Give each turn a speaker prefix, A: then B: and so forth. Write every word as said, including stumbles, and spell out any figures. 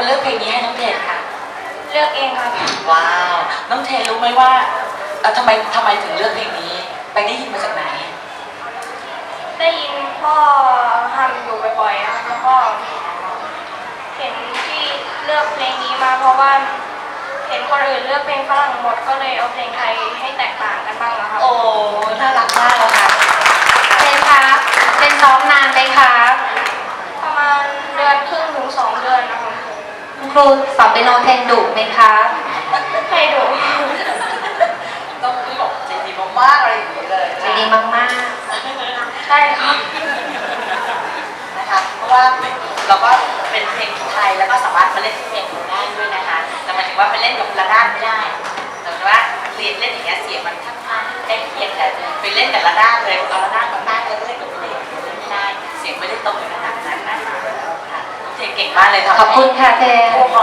A: เลือกเพลงนี้ให้น้องเทนคะ
B: เลือกเองครับ
A: ว้าวน้องเทนรู้ไหมว่าเอ่อทำไมทำไมถึงเลือกเพลงนี้ไปได้ยินมาจากไหน
B: ได้ยินพ่อทำอยู่บ่อยๆครับแล้วก็เห็นที่เลือกเพลงนี้มาเพราะว่าเห็นคนอื่นเลือกเพลงฝรั่งหมดก็เลยเอาเพลงไทยให้แตกต่างกันบ้างนะครับ
A: โอ้น่ารักมากเลยค่ะ
C: เทนครับเทนซ้อมนานไหมครับ
B: ประมาณเดือนครึ่งถึงสองเดือนนะครับ
C: ครูสอนเปียโนเทนดุไหมครับ
B: ให้ดู
A: ต้องพี่บอกใจดีมากๆอะไรอย่างนี้เลย
C: ใจดีมาก
B: ๆใช่ครับ
A: นะคะเพราะว่าเราก็เป็นเพลงไทยแล้วก็สามารถมาเล่นเพลงได้ด้วยนะคะแต่หมายถึงว่าไปเล่นกับระนาดไม่ได้แต่ว่าเรียนเล่นอย่างเงี้ยเสียงมันค่อนข้างใกล้เคียงแต่ไปเล่นกับระนาดเลยเอาระนาดมาตั้งแล้วเล่นกับเพลงเล่นไม่ได้เสียงไม่ได้ตรงขนาดนั้นนะคะเพลงเก่งมากเลยค่ะ
C: ขอบคุณค่ะเทน